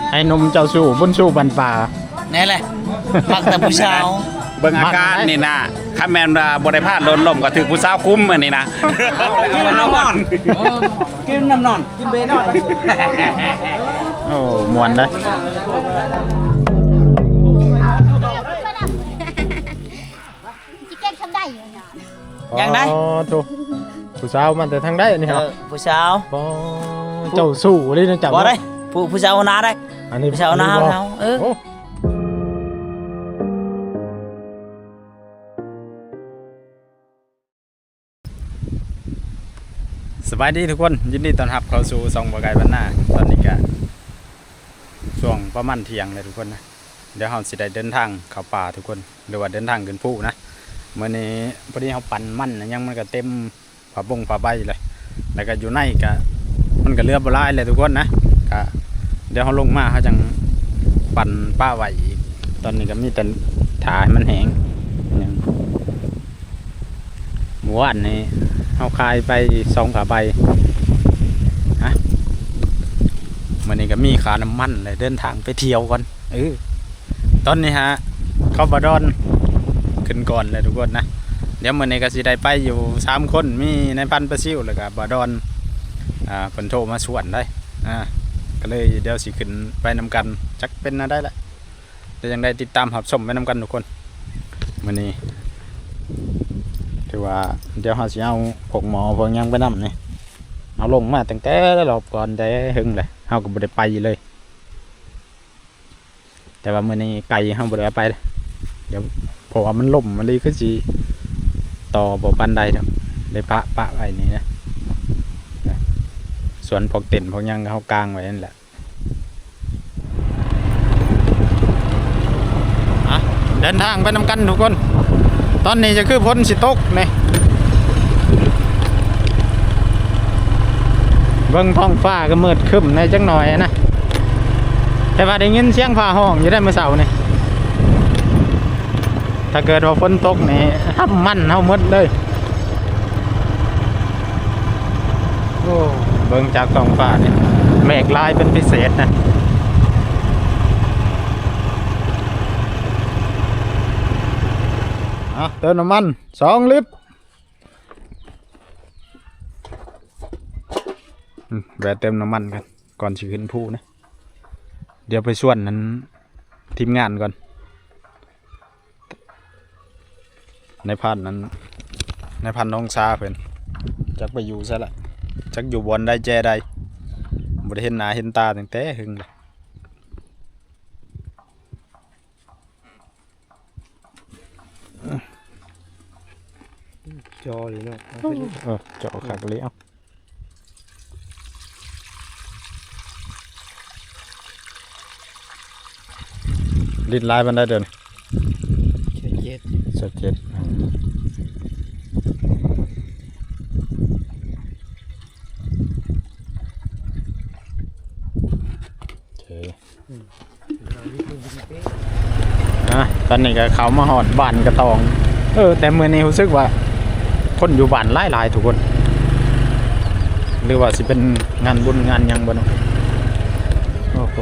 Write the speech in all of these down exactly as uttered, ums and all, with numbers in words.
ไอ้นมเจ้าสู้บุญสู้บันป่าแน่เลยมักแต่ผู้สาวเบิ่งอาการนี่นะถ้าแม่นบ่ได้พลาดโดนลมก็ถือผู้สาวคุ้มอันนี้นะกินน้ำนอนกินน้ำนอนกินเบนอนโอ้มวนได้จิเก่งทำได้อยู่ยังได้อ๋อถูกผู้สาวมันแต่ทางได้นี่ครับผู้สาวเจ้าสู้เลยนะจับบ่ได้ผู้ผู้สาวนาได้อันนี้ผู้สาวนาเขาเออสบายดีทุกคนยินดีต้อนรับเข้าสู่ซองบ่ไกลบ้านนาตอนนี้ก็ช่วงประมาณเที่ยงเลยทุกคนนะเดี๋ยวเราสิได้เดินทางเข้าป่าทุกคนหรือว่าเดินทางขึ้นภูนะเมื่อนี้พอดีเราปั่นมันยังมันก็เต็มผ้าบงผ้าใบเลยแล้วก็อยู่ในก็มันก็เรือบ่หลายเลยทุกคนนะก็เดี๋ยวเขาลงมาเขาจังปั่นป้าไหวอีกตอนนี้ก็มีแต่ถ่ายมันแห้งหมู่บ้านนี้เอาคายไปสองขาใบฮะวันนี้ก็มีขาน้ำมันเลยเดินทางไปเที่ยวก่อนเออตอนนี้ฮะเข้าบาดอนขึ้นก่อนเลยทุกคนนะเดี๋ยววันนี้ก็สิได้ไปอยู่สามคนมีในพันประซิวแล้วก็บาดอนอ่าผลโทรมาสวนได้อ่าก็เลยเดี๋ยวสิขึ้นไปนำกันจักเป็นนะได้ละเดี๋ยวยังได้ติดตามหับชมไปนำกันทุกคนวันนี้ถือว่าเดี๋ยวเราจะเอาพวกหมอพวกยังไปนำนี่เอาลงมาตั้งแต่รอบก่อนได้หึงเลยเราก็บ่ได้ไปเลยแต่ว่ามื้อนี้ไก่เราบ่ได้ไปเลยเดี๋ยวเพราะว่ามันล่มมันเลยคือสิต่อบ่ปานใดครับได้ปะปะไว้นี่นะส่วนพวกเต็นท์พวกยังเฮากางไว้นั่นแหละอ่ะเดินทางไปนำกันทุกคนตอนนี้จะคือพ้นสิตกนี่เบิ่งท้องฟ้าก็มืดครึ้มในจังหน่อยนะแต่ว่าได้ยินเสียงฟ้าห้องอยู่ได้เมื่อเช้านี่ถ้าเกิดว่าฝนตกนี่ห้ามมั่นเฮาหมดเลยโอ้เบิ่งจากท้องฟ้านี่เมฆลายเป็นพิเศษนะเติมน้ำมันสองลิตรแวะเติมน้ำมันกันก่อนสิขึ้นภูนะเดี๋ยวไปส่วนนั้นทีมงานก่อนในพันนั้นในพันน้องซาเพื่อนจักไปอยู่ซะละจักอยู่บนได้แจได้บ่ได้เห็นหน้าเห็นตาตั้งแต่หึงเลยจอเลยเนาะเออจอขากเลยเอาลิ้นลายมันได้เดินเจ็ดสดเจ็ดโอเคอ่ะตอนนี้ก็เขามาหอดบ้านกระตองเออแต่เมื่อนี้รู้สึกว่าคนอยู่บ้านหลายๆทุกคนหรือว่าสิเป็นงานบุญงานยังบ่เนาะโอ้โห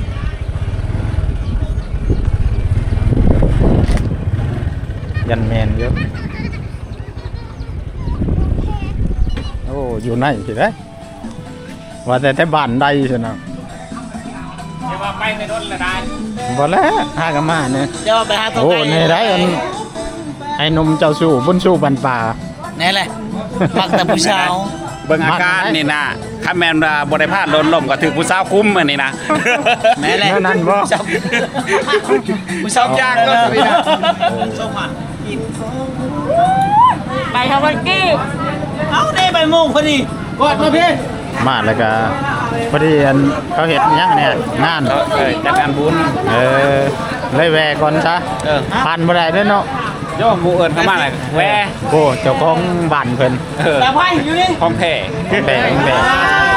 ยันแมนเยอะโอ้อยู่ไหนสิได้ว่าแต่แต่บ้านใดสินะเดี๋ยวว่าไปในรถละได้บ่แล้วหากันมาเนี่ยเดี๋ยวไปหาตัวไก่โอ้ในได้อันไอ้นมเจ้าสู้บุญสู้บันป่าแน่เลยมักแต่ผู้สาวเบิ่งอาการนี่นะถ้าแม่นบ่ได้พลาดโดนลมก็ถือผู้สาวคุ้มอันนี้นะแม่เลยนั่นบ่ผู้สาวยากก็สินะส่งมาไปทำวันกี้เอาได้ใบโมงพอดีกดมาพี่มาแล้วก็พอดีอันเขาเห็นยังเนี่ยงานเออจัดงานบุญเออเลยแวก่อนซะเออผ่านบ่ได้เด้อเนาะโยมผู้เอิ้นเข้ามาเลยแวโอ้เจ้าของบ้านเพิ่นเออแต่ไผอยู่นี่ของแท้แบงแบง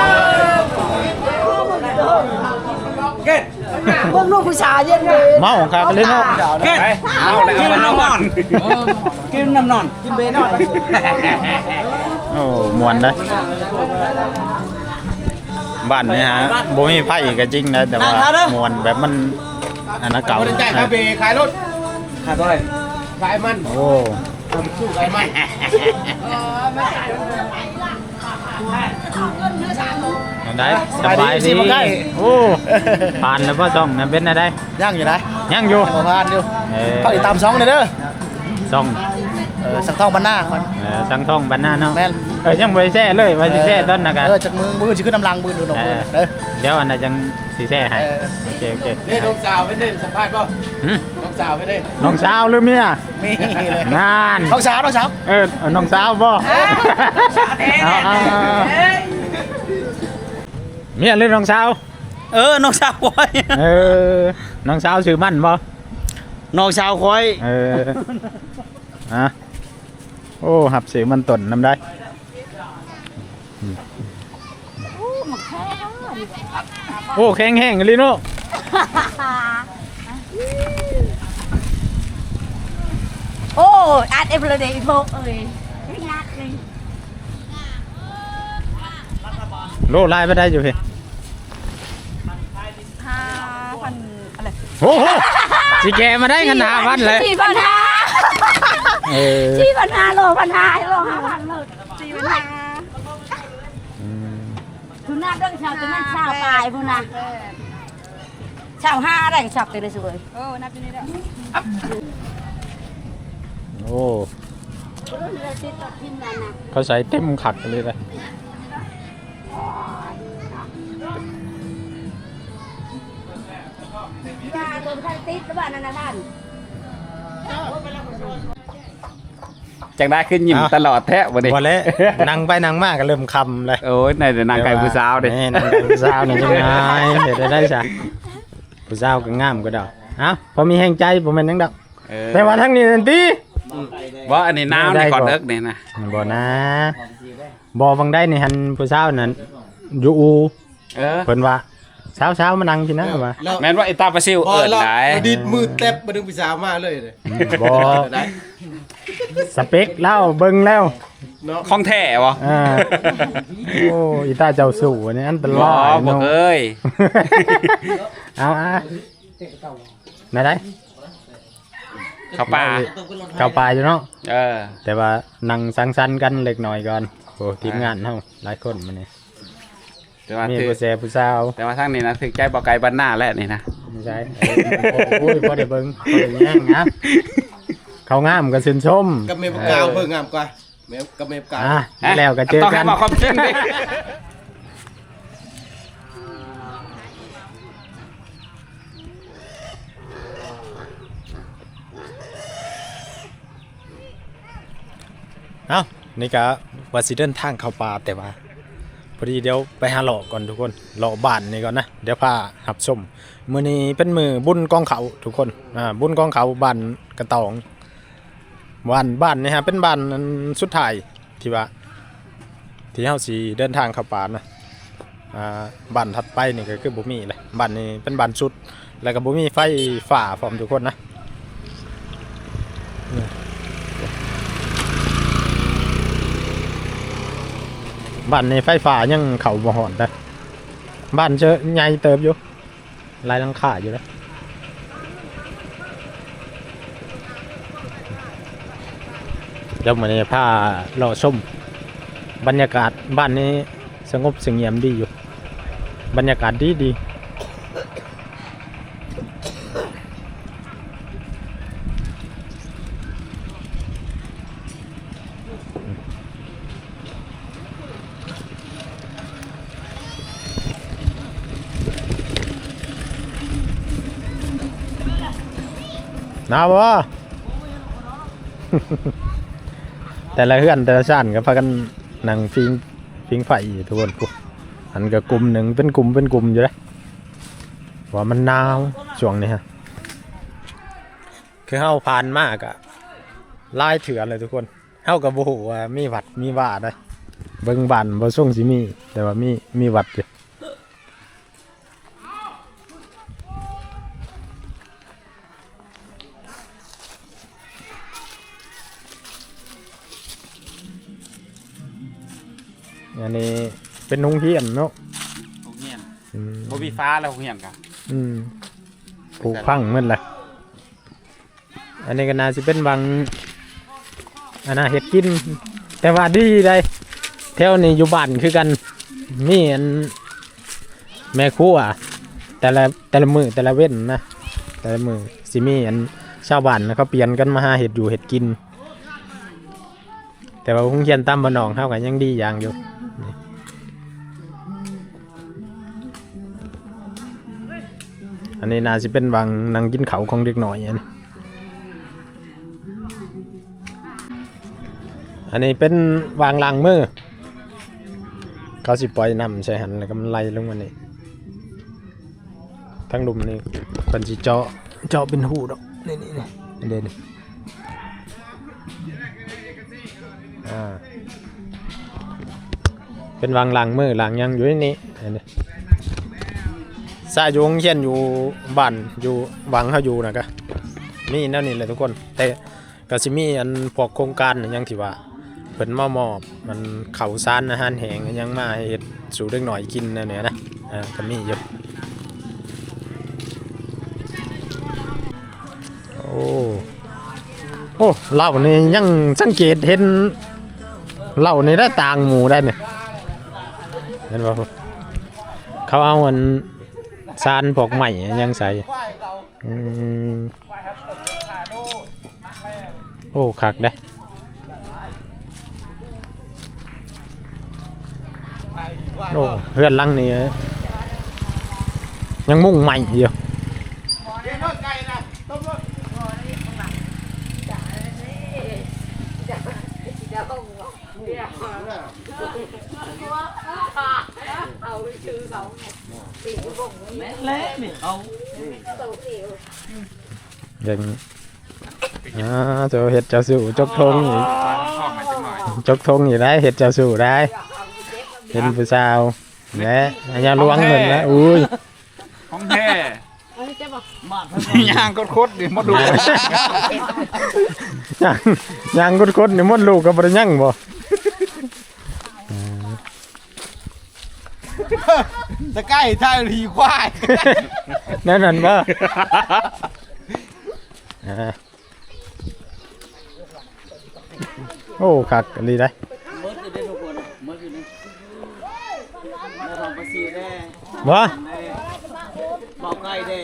เก็ดพวกลูกผู้ชายเย็นเลยเมาครับเลยเนาะเก็ดเอาแล้วเอาน้ำนอนกินน้ำนอนกินเบนอนโอ้ม่วนเด้อบ้านนี่ฮะบ่มีไผก็จริงนะแต่ว่ามวนแบบมันอันนั้นเก่าบริจาคคาเฟ่ขายรถขายอะไรขายมันโอ้สู้ขายมันได้สบายดีโอ้ผ่านแล้วพ่อจ้องนั่นเป็นอะไรย่างอยู่ไหนยังอยู่ขอพานอยู่เออเขาติดตามสองเลยเด้อจ้องเออสังทองบรรณาก่อนเออสังทองบ้านหน้าเนาะแม่นเออยังบ่ได้แซ่เลยว่าสิแซ่ต้นนะกันเออจากมือมือจะขึ้นน้ำลังมือดูหนกมือเด้อเดี๋ยวอันนั้นจังสิแซ่ให้เออโอเคโอเคนี่น้องสาวไปเล่นสัมภาษณ์ป่ะหึน้องสาวไปเล่นน้องสาวหรือเมียมีเลยงานน้องสาวน้องสาวเออเอาน้องสาวบ่เอาเอาเอาเมียหรือน้องสาวเออน้องสาวคอยเออน้องสาวชื่อมั่นบ่น้องสาวคอยเอออะโอ้หับเสียงมันตนน้ำได้โอ้แข็งแห้งลิโน่โอ้อัดเอฟเลยเดย์โบเอ้ยไม่งัดเลยโลไล่ไปได้อยู่พี่ห้าพันอะไรโอ้โหสิแกมาได้กันหาพันเลยสี่พันห้าเออสี่พันห้าโลพันห้าโลห้าพันโลสี่พันห้าทุนหน้าเรื่องชาวจะนั่นชาวตายพูนะชาวห้าอะไรก็ชอบไปเลยสวยโอ้นับไปนี่ได้โอ้เขาใส่เต็มขัดเลยเลยจ้าตัวท่านติดหรือเปล่านั่นนะท่านจังได้ขึ้นยิ้มตลอดแท้บ่นี่พอแล้วนั่งไปนั่งมากก็เริ่มคำเลยโอ้ยในแต่นางไก่ผู้สาวดิแม่นางไก่ผู้สาวนี่ยังไงเดี๋ยวได้ได้จ้ะผู้สาวก็งามก็ดอกเอ้าพอมีแห่งใจผมเป็นนังดอกเออแต่ว่าทั้งนี้นั่นตีว่าอันนี้น้ำนี่ก่อนเอิกนี่นะบ่นะบ่ฟังได้ในหันผู้สาวนั้นอยู่อูเออเพิ่นว่าเช้าๆมานั่งพี่นะว่าแม่นว่าไอ้ตาปลาซิวเอิ้นได้ดิดมือเต็บมาดึงปีสาวมาเลยเลยบ่ได้สเปคเล่าเบิ่งแล้วของแท้บ่อ่าโอ้อีตาเจ้าสู่อันนี้อันตบ่รายบ่เนาะเอ้ยเอาอ่ะไหนได้เข้าป่าเข้าป่าอยู่เนาะเออแต่ว่านั่งสังสรรค์กันเล็กน้อยก่อนโอ้ทีมงานเฮาหลายคนมื้อนี้แต่ว่ามีถือผู้แซ่ผู้สาวแต่ว่าทางนี้นะถึกใจบ่ไกลบ้านหน้าแล้วนี่นะไม่ใช่โอ้ยพอได้เบิ่งพอได้แย่งนะเขางามก็ชื่นชมกับเมปกาวเพิ่งงามกว่าเมปกับเมปกาวอ่ะแล้วก็เจอต้องกัให้นมาความจริงดิเอ้านี่ก็ว่าสิเดินทางเข้าป่าแต่ว่าพอดีเดี๋ยวไปหาเลาะก่อนทุกคนเลาะบ้านนี่ก่อนนะเดี๋ยวพาหับชมมื้อนี้เป็นมือบุญกองเขาทุกคนอ่าบุญกองเขาบ้านกระตองบ้านบ้านนี่ฮะเป็นบ้านอันสุดท้ายที่ว่าที่เฮาสิเดินทางเข้าป่านะอ่าบ้านถัดไปนี่ก็คือบ่มีเลยบ้านนี้เป็นบ้านสุดแล้วก็บ่มีไฟฟ้าพร้อมทุกคนนะบ้านในไฟฟ้ายังเขาบ่หอนนะบ้านเจอใหญ่เติบอยู่ลายหลังคาอยู่แล้วเดี๋ยวมันจะพาเราชมบรรยากาศบ้านนี้สงบเสงี่ยมดีอยู่บรรยากาศดีดีหนาวบ่ แต่ละเฮือนแต่ละชั้นก็พากันนั่งฟิงฟิงไฟอยู่ทุกคนกูอันก็กลุ่มหนึ่งเป็นกลุ่มเป็นกลุ่มอยู่เลยว่ามันหนาวช่วงนี้ฮะคือเฮาผ่านมากอะลายเถื่อนเลยทุกคนเฮากับบ่ฮู้ว่ามีหวัดมีว่าได้เบิ่งบ้านบ่ส่งสิมีแต่ว่ามีมีหวัดอยู่อันนี้เป็นโรงเรียนเนาะโรงเรีมีฟ้าแล้วเฮียนกันอืมปลูกพังหมันเลยอันนี้ก็น่าสิเป็นบางอันน่าเห็ดกิน แต่ว่าดีได้แถวนี้อยู่บ้านคือกันมีอันแม่ครัวแต่ละแต่ละมือแต่ละเว้นนะแต่ละมือสิมีอันชาวบ้านนะเขาเปลี่ยนกันมาหาเห็ดอยู่เห็ดกิน แต่ว่าคงเขียนตามบ้านนองเท่ากันยังดีอย่างอยู่นี่อันนี้น่าจะเป็นบางนั่งกินเขาวของเด็กหน่อยอันนี้อันนี้เป็นวางลางมือเขาสิปล่อยน้ำใส่หันแล้วก็มันไหลลงมานี่ทั้งลุมนี่เป็นสิเจาะเจาะเป็นหูดอกนี่นี่นี่เด่นอ่าเป็นวางลางมือลางยังอยู่ในนี้อันนี้ซาอยู่โรงเรียนอยู่บ้านอยู่วังเขาอยู่นะก็มีแนวนี้เลยทุกคนแต่ก็สิมีอันพวกโครงการอยังที่ว่าเพิ่นมามอบมันข้าวสารอาหารแห้งยังมาให้เฮ็ดสู่เด็กหน่อยกินนั่นแหละนะอ่าก็มีอยู่โอ้โอ้เหล้านี่ยังสังเกตเห็นเหล้านี่ได้ต่างหมู่ได้เนี่ยเห็นบ่เขาเอาอันซานพวกใหม่ยังใส่อืมโอ้คักได้โอ้เพื่อนลังนี่ยังมุ่งใหม่อยู่เละนี่เอายังอ่าเจ้าเห็ดเจ้าสู่จกทงอีกจกทงอยู่ได้เห็ดเจ้าสู่ได้เห็นผู้สาวและอันยาล้วงเงินแล้วอุ้ยของแท้มาดยางโคตรๆดิมาดูยังยังกดๆนี่มดลูกก็บ่ได้ยังบ่ตะไคร้ท่ารีควายนั่นนั่นบ่อ่าโอ้คักอันนี้ได้มดจะได้ทุกคนมดอยู่นี่มาทำภาษีได้บ่บอกไก่ได้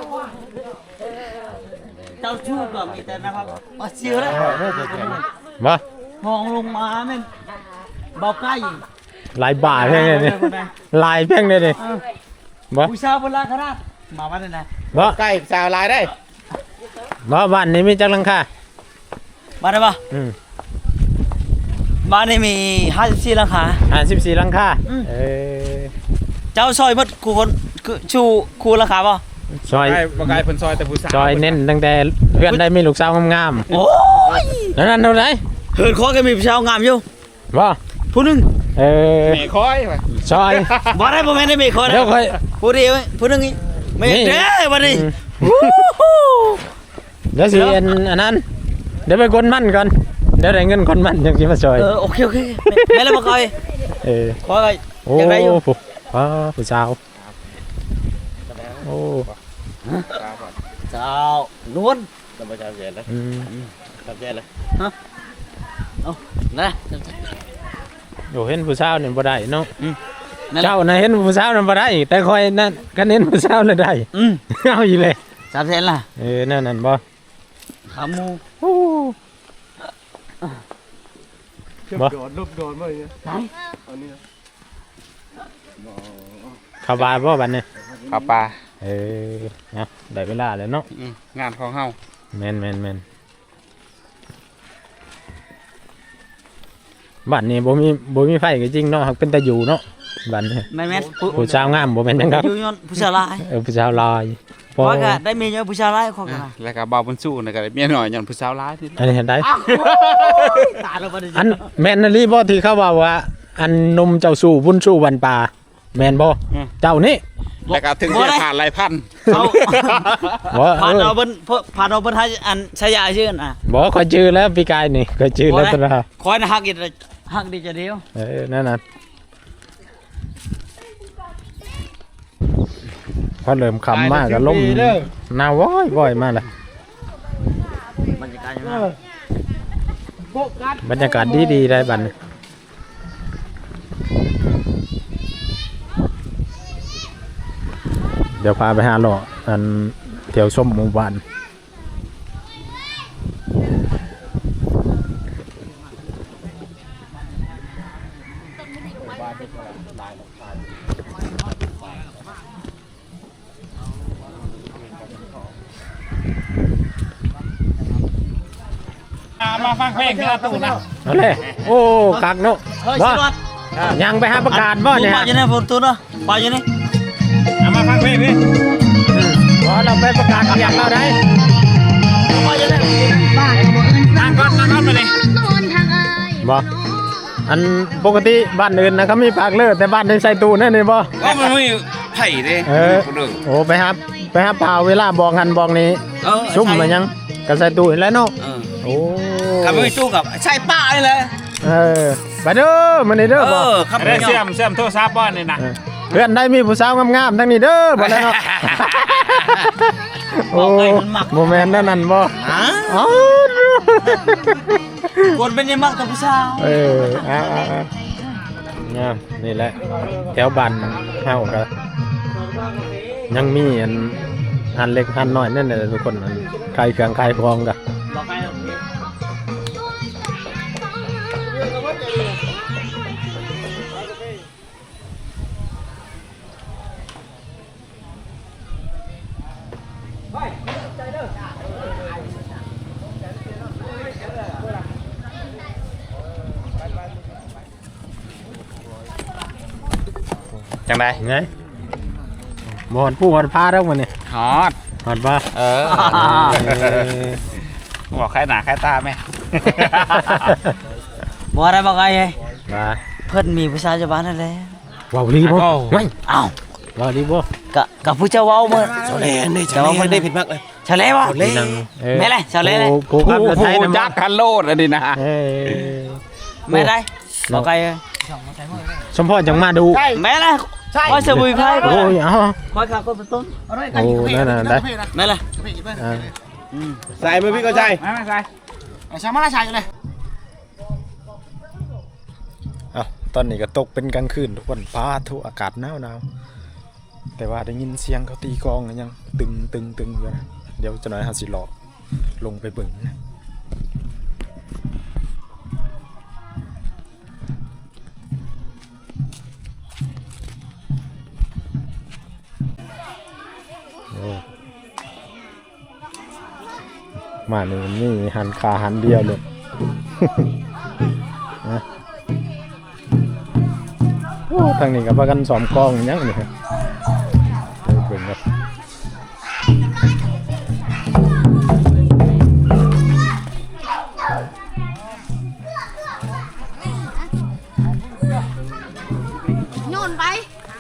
เจ้าชู้ก็มีแต่นะครับมาเสียแล้วบ่มองลงมาแม่นบอกไก่หลายบาทเพียงเลยนี่หลายเพียงเลยนี่บ่ผู้ชายบนลาคราชมาบ้านไหนบ่ใกล้สาวลายได้บ่บ้านนี้มีจักหลังคามาได้ปะอืมบ้านนี้มีห้าสิบสี่หลังคาห้าสิบสี่หลังคาอืมเออเจ้าซอยมดคูคนคือชูคูราคาป่ะซอยไก่บ่ไก่เพิ่นซอยแต่ผู้สาวซอยเน้นตั้งแต่เพื่อนได้มีลูกสาวงามโอ้ยๆนั่นนั่นเท่าไหร่เหินคอก็มีผู้ชายงามอยู่บ่ผู้หนึงเออแม่คอยว่ะซอยบ่ได้บ่แม่นได้มีคนเดี๋ยวค่อยผู้เดียวผู้หนึงอีกไม่นี่เด้อบัดนี้อืม เดี๋ยวสิอันอันนั้นเดี๋ยวไปกดมันก่อนเดี๋ยวได้เงินกดมันจังสิมาซอยเออโอเคโอเคแม่แล้วบ่คอยเออขอก็โอ้อยากได้อยู่ผู้ว้าผู้สาวโอ้เจ้านวลจะมาจำเสียนนะอืมจำเสียนเลยเอานะโอ้เห็นผู้สาวนี่บ่ได้เนาะนั่นแหละเจ้าน่ะเห็นผู้สาวนั่นบ่ได้แต่คอยนั่นคันเห็นผู้สาวน่ะได้อืมเอาอีกเลยสามแสนล่ะเออนั่นนั่นบ่ขาหมูโอ้บ่โดนรูปโดนมาอย่างเงี้ยไหนเข้าบาบ่บัดนี้ข้าวปลาเออนะได้เวลาแล้วเนาะอืมงานของเฮาแม่นแม่นแม่นบ้านนี้บ่มีบ่มีไฟก็จริงเนาะหักเป็นตาอยู่เนาะบ้านนี้แม่นแม่นผู้ผู้สาวงามบ่แม่นจังครับอยู่ยนผู้ชายหลายเออผู้สาวลอยพเพอราะก็ได้เมียเยอะผู้ชายหลายคนกันแล้วก็บ่าวบุญสู้น่ะก็ได้เมียน้อยย้อนผู้สาวหลายนี่อันนี้เห็นได้ตายแล้วบัดนี้อันแม่นอีหลีบ่ที่เขาว่าว่า อันนมเจ้าสู่บุญสู่วันป่าแม่นบ่เจ้านี่แล้วก็ถึงจะผ่านหลายพันเอาบ่ผ่านเอเอาอเพิ่นผ่านเอาเพิ่นให้อันชายาชื่อน่ะบ่ค่อยจื้อแล้วพี่กายนี่ค่อยจื้อแล้วตะละคอยนะฮักอีกฮักดีจะเดียวเออนั่นน่ะเขาเริ่มคำมากก็ล่มหนาวว้อยบ่อยมากเลยบรรยากาศยังไงบรรยากาศดีๆได้บัดนี้เดี๋ยวพาไปหาหล่ออันเที่ยวชมหมู่บ้านมาฟังเพลงที่เราตู้นะเอาเลยโอ้คักเนาะเฮ้ยบ่สิรถยังไปหาประกาศบ่เนี่ยปาอยู่ในฝนตัวเนาะปาอยู่ในมาฟังเพลงนี่บ่เราไปประกาศเรียกเราได้ปาอยู่ในนั่งก่อนนั่งก่อนไปเลยบ่อันปกติบ้านอื่นนะเขามีปากเลิศแต่บ้านในใส่ตู้นั่นนี่บ่ก็มันไม่ไผ่ดิเออโอ้ไปครับไปครับพาเวลาบอกหันบอกนี้เออชุ่มมายังก็ใส่ตู้แล้วเนาะเออโอ้กับไม่สู้กับใช่ป้าเลยเลยเออไปเด้อมานี่เด้อเอบ่อครับเรื่องเสื่อมเสื่อมโทรศัพท์บ้านนี่นะเออเพื่อนได้มีผู้สาวงามๆทั้งนี้เด้อบ่แล้วเนาะโอ้โมเมนต์นั่นนั่นบ่ฮะอ๋อคนเป็นยังมักกับผู้สาวเอออ่าๆเนี่ยนี่แหละแถวบ้านเฮาก็ยังมีอันอันเล็กอันน้อยนั่นแหละทุกคนอันใครเครื่องใครพร้อมก็บอกไปจังไดไงบ่ฮอดผู้ฮอดพาแล้วมื้อนี้ฮอดฮอดบ่เออบอกใครหนาใครตาไหมบอกอะไรบอกไงว่าเพิ่นมีผู้สาวจะบ้านนั่นแหละเว้าลีบ่ไงอ้าวเว้าลีบ่กะกับผู้เจ้าเว้าเมื่อชาวเลนนี่ชาวเลนได้ผิดมากเลยชาเล่บ่นี่นางเอ้ยแม่ไรชาวเลเลยผู้ผู้ขับรถไทยผู้นำจักคันโลดอันนี้นะเอ้ยแม่ไรบอกไงสมพรจังมาดูแม่ไรคอยสมุยไพ่โอ้ยเอาคอยขาคนเป็นต้นโอ้นั่นน่ะได้แม่ไรอ่าใส่มือพี่ก็ใช่ไม่ไม่ใช่เอาตอนนี้ก็ตกเป็นกลางคืนทุกคนฟ้าทุกอากาศหนาวหนาวแต่ว่าได้ยินเสียงเขาตีกลองกันยังตึงตึงตึงอยู่นะเดี๋ยวจะหน่อยหาสิหลอกลงไปเบิ่งนะโอ้มานี่นี่หันขาหันเดียวเลย นะโอ้ทางนี้กับว่ากันสอมกล้องยังนี่ครับเดี๋ยวเบิ่งครับโยนไป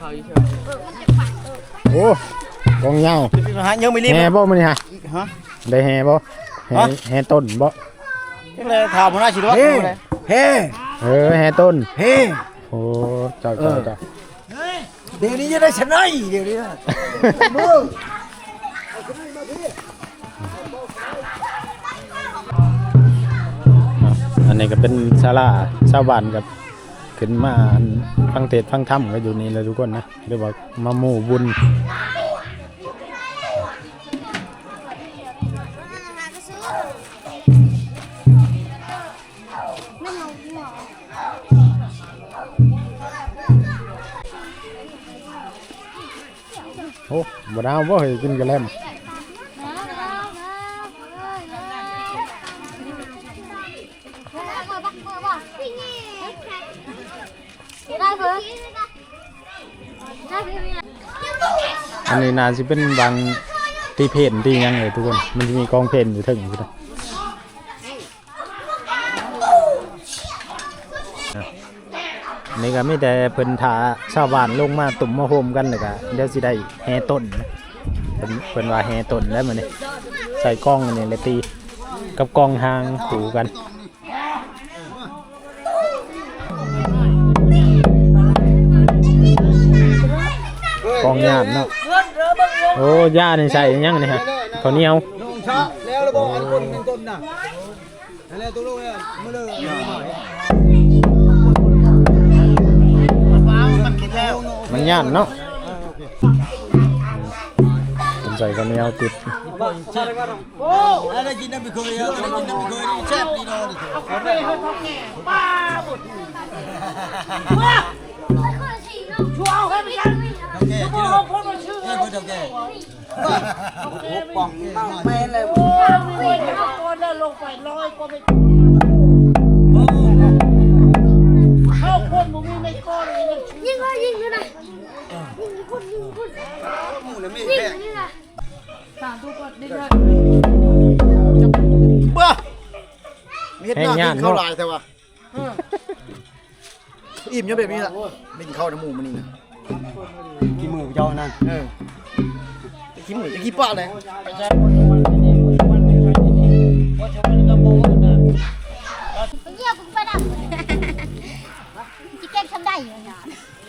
โอ้กองยาวฮะยังไม่รีบแห่บ่มื้อนี้ฮะฮะได้แห่บ่แห่แห่ต้นบ่เลยข่าวพนักชิดวัดเฮ้เฮ้เออแห่ต้นเฮ้โอ้เจ้าเจ้าเจ้าเดี๋ยวนี้จะได้ชนะเดี๋ยวนี้มืออันนี้ก็เป็นศาลาชาวบ้านกับขึ้นมาอันฟังเทศน์ฟังธรรมก็อยู่นี่เลยทุกคนนะเรียกว่ามาหมู่บุญโอ้บ่ดาวบ่เฮ้ยกินกระแลมอันนี้น่าสิเป็นบางที่เพนที่ยังเลยทุกคนมันจะมีกองเพนอยู่ถึงอยู่นะนี่ก็มีแต่เพิ่นทาชาวบ้านลงมาตุ่มมาโฮมกันเลยก็เดี๋ยวสิได้แห่ต้นนะเพิ่นเพิ่นว่าแห่ต้นแล้วมื้อนี้ใส่กล้องอันนี้เลยตีกับกล้องหางถูกันกล้องยามเนาะโอ้ย่านี่ใส่ยังนี่ฮะข้าวเหนียวน้องชะแล้วระบอกอันคนเป็นต้นน่ะอะไรตัวลูกเนี่ยมือเลยมันกินแล้วมันย่านเนาะผมใส่ข้าวเหนียวติดโอ้อะไรกินน้ำไม่เคยอะไรกินน้ำไม่เคยแซ่บดีนอนเอาไปให้เขาแก่ป้าบุตรชัวร์ให้ไปกันเขาแก่ที่เราแก่คนเดียวแก่ป่องไม่เลยโอ้ยคนละลงไปร้อยก็ไม่เข้าคนมึงไม่ก้อนเลยยิงเลยยิงเลยนะยิงคนยิงคนมึงเนี่ยไม่แก่สามตัวกดดิ้งเลยบ้ามีเห็ดหน้ากินข้าวลายแต่ว่าอิ่มยังแบบนี้ละไม่กินข้าวน้ำหมูมันนี่นะกินหมูเจ้านั่นเออกินหมูจะกินปลาเลยเยี่ยมไปดับจิเก็ตทำได้อยู่เนี่ย